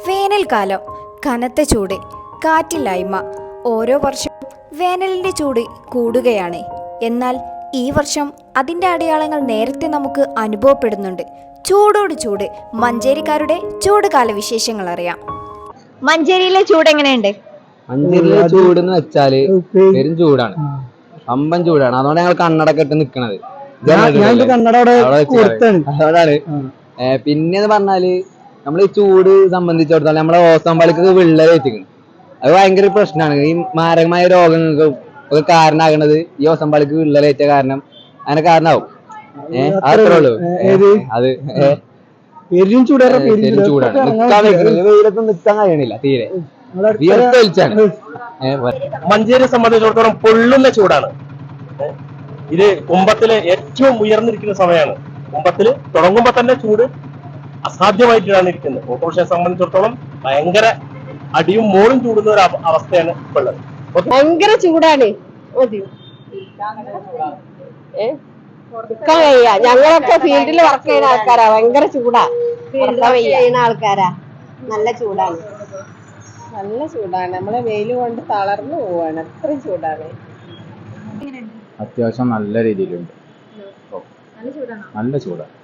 വേനൽക്കാലം, കനത്ത ചൂട്, കാറ്റില്ലായ്മ. ഓരോ വർഷവും വേനലിൻ്റെ ചൂട് കൂടുകയാണ്. എന്നാൽ ഈ വർഷം അതിൻ്റെ അടയാളങ്ങൾ നേരത്തെ നമുക്ക് അനുഭവപ്പെടുന്നുണ്ട്. ചൂടോട് ചൂട്, മഞ്ചേരിക്കാരുടെ ചൂട് കാല വിശേഷങ്ങൾ അറിയാം. മഞ്ചേരിയിലെ ചൂട് എങ്ങനെയുണ്ട്? മഞ്ചേരിയിലെ ചൂട് എന്ന് വെച്ചാല് പെരും ചൂടാണ്, അമ്പൻ ചൂടാണ്. അതുകൊണ്ട് ഞങ്ങൾ കണ്ണടക്കെ ഇട്ട് നിക്കണത്. അതുകൊണ്ടാണ്. പിന്നെന്ന് പറഞ്ഞാല് നമ്മൾ ഈ ചൂട് സംബന്ധിച്ചിടത്തോളം നമ്മളെ ഓസോൺ പാളിക്ക് വിള്ളൽ ഏറ്റിക്കണം. അത് ഭയങ്കര പ്രശ്നമാണ്. ഈ മാരകമായ രോഗങ്ങൾക്ക് ഒക്കെ കാരണമാകുന്നത് ഈ ഓസോൺ പാളിക്ക് വിള്ളലേറ്റ കാരണം അങ്ങനെ കാരണമാവും. അത്രേ ഉള്ളൂ. അത് പെരും ചൂടാണ്. വെയിലത്ത് നിൽക്കാൻ കഴിയണില്ല തീരെ. മഞ്ചേരിയെ സംബന്ധിച്ചിടത്തോളം പൊള്ളുന്ന ചൂടാണ്. ഇത് കുംഭത്തിലെ ഏറ്റവും ഉയർന്നിരിക്കുന്ന സമയമാണ്. കുംഭത്തില് തുടങ്ങുമ്പോ തന്നെ ചൂട് അസാധ്യമായിട്ടാണ് ഇരിക്കുന്നത്. ഓട്ടോറിക്ഷയെ സംബന്ധിച്ചിടത്തോളം ഭയങ്കര അടിയും മോളും ചൂടുന്ന ഒരു അവസ്ഥയാണ് ഇപ്പൊ ഉള്ളത്. ഭയങ്കര ചൂടാണ്. ഞങ്ങളൊക്കെ ഫീൽഡിൽ വർക്ക് ചെയ്യുന്ന ആൾക്കാരാ. ഭയങ്കര ചൂടാ. ചെയ്യുന്ന ആൾക്കാരാ. നല്ല ചൂടാണ്. നല്ല ചൂടാണ്. നമ്മളെ വെയിൽ കൊണ്ട് തളർന്നു പോവാണ്. അത്രയും ചൂടാണ്. അത്യാവശ്യം നല്ല രീതിയിലുണ്ട്. നല്ല ചൂടാണ്.